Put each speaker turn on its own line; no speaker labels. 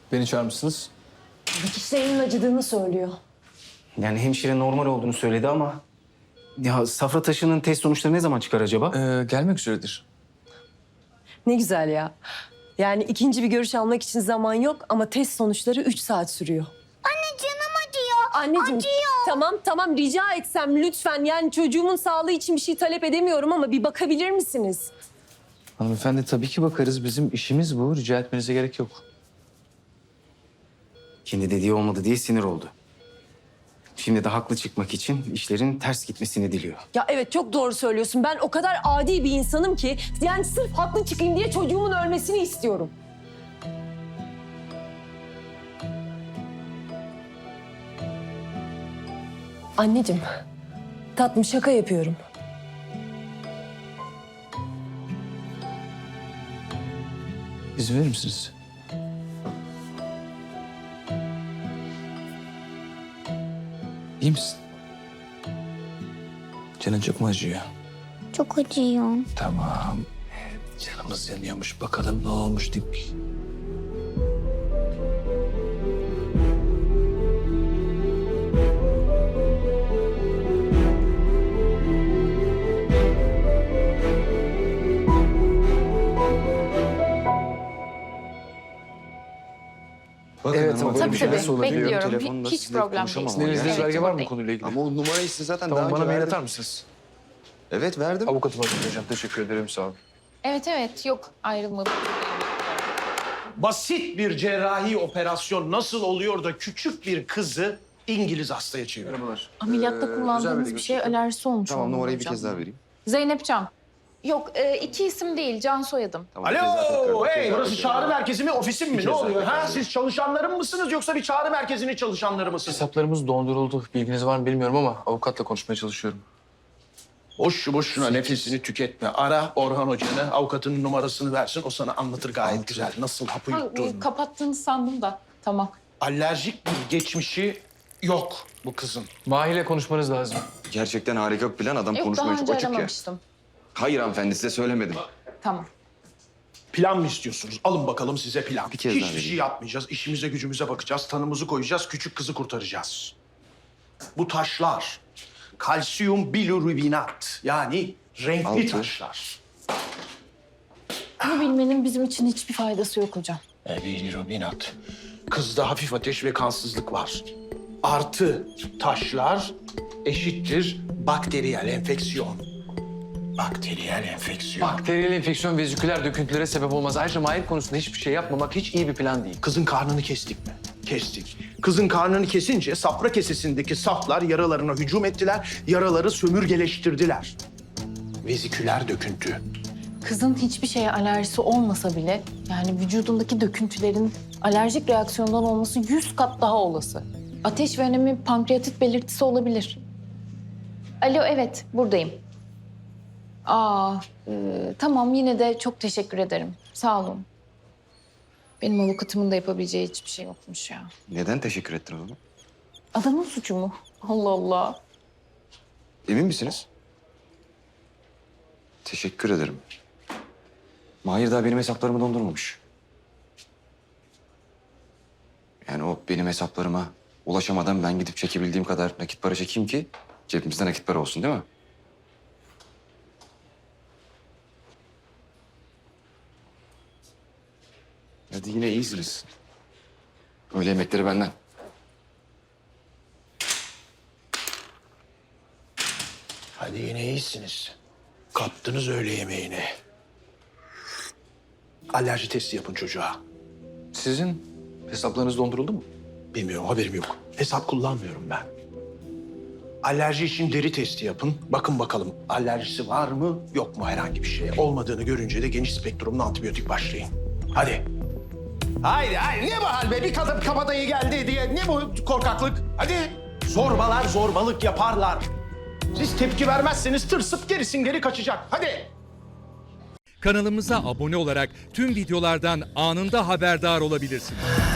Beni çağırmışsınız.
Dikişlerinin acıdığını söylüyor.
Yani hemşire normal olduğunu söyledi ama... Ya safra taşının test sonuçları ne zaman çıkar acaba?
Gelmek üzeredir.
Ne güzel ya. Yani ikinci bir görüş almak için zaman yok ama test sonuçları 3 saat sürüyor.
Anne canım acıyor.
Anneciğim tamam rica etsem lütfen, yani çocuğumun sağlığı için bir şey talep edemiyorum ama bir bakabilir misiniz?
Hanımefendi tabii ki bakarız. Bizim işimiz bu. Rica etmenize gerek yok.
Kendi dediği olmadı diye sinir oldu. Şimdi de haklı çıkmak için işlerin ters gitmesini diliyor.
Ya evet, çok doğru söylüyorsun. Ben o kadar adi bir insanım ki yani sırf haklı çıkayım diye çocuğumun ölmesini istiyorum. Anneciğim, tatlım şaka yapıyorum.
İzin verir misiniz? İyi misin? Canın çok mu acıyor?
Çok acıyor.
Tamam. Canımız yanıyormuş. Bakalım ne olmuş deyip. Bakın
Evet,
ama
ama
böyle bir şey
Tabii,
nasıl olabiliyor?
bekliyorum.
Telefonla
Hiç
sizinle
problem
konuşamam
değil.
ama
Sizin
yani.
elinizde
belge var mı bu
değil.
konuyla ilgili?
Ama o numarayı size zaten
Tamam,
daha
bana
önce
mail
verdim.
atar mısınız?
Evet verdim.
Avukatıma hocam. Teşekkür ederim. Sağ olun.
Evet yok ayrılmadık.
Basit bir cerrahi operasyon nasıl oluyor da küçük bir kızı İngiliz hastaya çeviriyor?
Merhabalar.
Ameliyatta
Özel
kullandığımız
bir
bir şeye
görüşme.
alerjisi olmuş
Tamam
olmalı
numarayı bir
hocam.
kez daha vereyim.
Zeynep Can. Yok iki isim değil, Can soyadım.
Tamam, bir kez daha tekrar,
Alo,
bir kez
hey,
daha
burası
tekrar.
çağrı merkezi mi, ofisim mi?
kez
Ne
daha
oluyor?
tekrar.
Ha, siz çalışanlarım mısınız yoksa bir çağrı merkezinin çalışanları mısınız?
Hesaplarımız donduruldu. Bilginiz var mı bilmiyorum ama avukatla konuşmaya çalışıyorum.
Boşuna nefesini tüketme. Ara Orhan Hoca'nı, avukatının numarasını versin. O sana anlatır gayet güzel. Nasıl hapı
Ha,
yuttun.
kapattığını sandım da. Tamam.
Alerjik bir geçmişi yok bu kızın.
Mahir'le konuşmanız lazım.
Gerçekten harika bir plan. Adam
Yok
konuşmaya
daha
çok
önce
açık ya.
aramamıştım.
Hayır hanımefendi size söylemedim.
Tamam.
Plan mı istiyorsunuz? Alın bakalım size plan.
Bir kez daha
Hiçbir şey
vereyim.
yapmayacağız. İşimize gücümüze bakacağız. Tanımızı koyacağız. Küçük kızı kurtaracağız. Bu taşlar kalsiyum bilirubinat, yani renkli
Altı.
taşlar.
Bunu bilmenin bizim için hiçbir faydası yok hocam.
Bilirubinat. Kızda hafif ateş ve kansızlık var. Artı taşlar eşittir bakteriyel enfeksiyon. Bakteriyel enfeksiyon.
Bakteriyel enfeksiyon veziküler döküntülere sebep olmaz. Ayrıca Mahir konusunda hiçbir şey yapmamak hiç iyi bir plan değil.
Kızın karnını kestik mi? Kestik. Kızın karnını kesince safra kesesindeki saflar yaralarına hücum ettiler, yaraları sömürgeleştirdiler. Veziküler döküntü.
Kızın hiçbir şeye alerjisi olmasa bile yani vücudundaki döküntülerin alerjik reaksiyondan olması 100 kat daha olası. Ateş ve önemi pankreatit belirtisi olabilir. Alo evet buradayım. Tamam yine de çok teşekkür ederim. Sağ olun. Benim avukatımın da yapabileceği hiçbir şey yokmuş ya.
Neden teşekkür ettin o zaman?
Adamın suçu mu? Allah Allah.
Emin misiniz? Teşekkür ederim. Mahir daha benim hesaplarımı dondurmamış. Yani o benim hesaplarıma ulaşamadan ben gidip çekebildiğim kadar nakit para çekeyim ki cebimizde nakit para olsun değil mi? Hadi yine iyisiniz. Öğle yemekleri benden.
Hadi yine iyisiniz. Kaptınız öğle yemeğini. Alerji testi yapın çocuğa.
Sizin hesaplarınız donduruldu mu?
Bilmiyorum, haberim yok. Hesap kullanmıyorum ben. Alerji için deri testi yapın. Bakın bakalım alerjisi var mı, yok mu herhangi bir şeye. Olmadığını görünce de geniş spektrumlu antibiyotik başlayın. Hadi. Haydi, ne bu hal be? Bir kadın kabadayı geldi diye ne bu korkaklık? Hadi. Zorbalar zorbalık yaparlar. Siz tepki vermezseniz tırsıp gerisin geri kaçacak. Hadi.
Kanalımıza abone olarak tüm videolardan anında haberdar olabilirsiniz.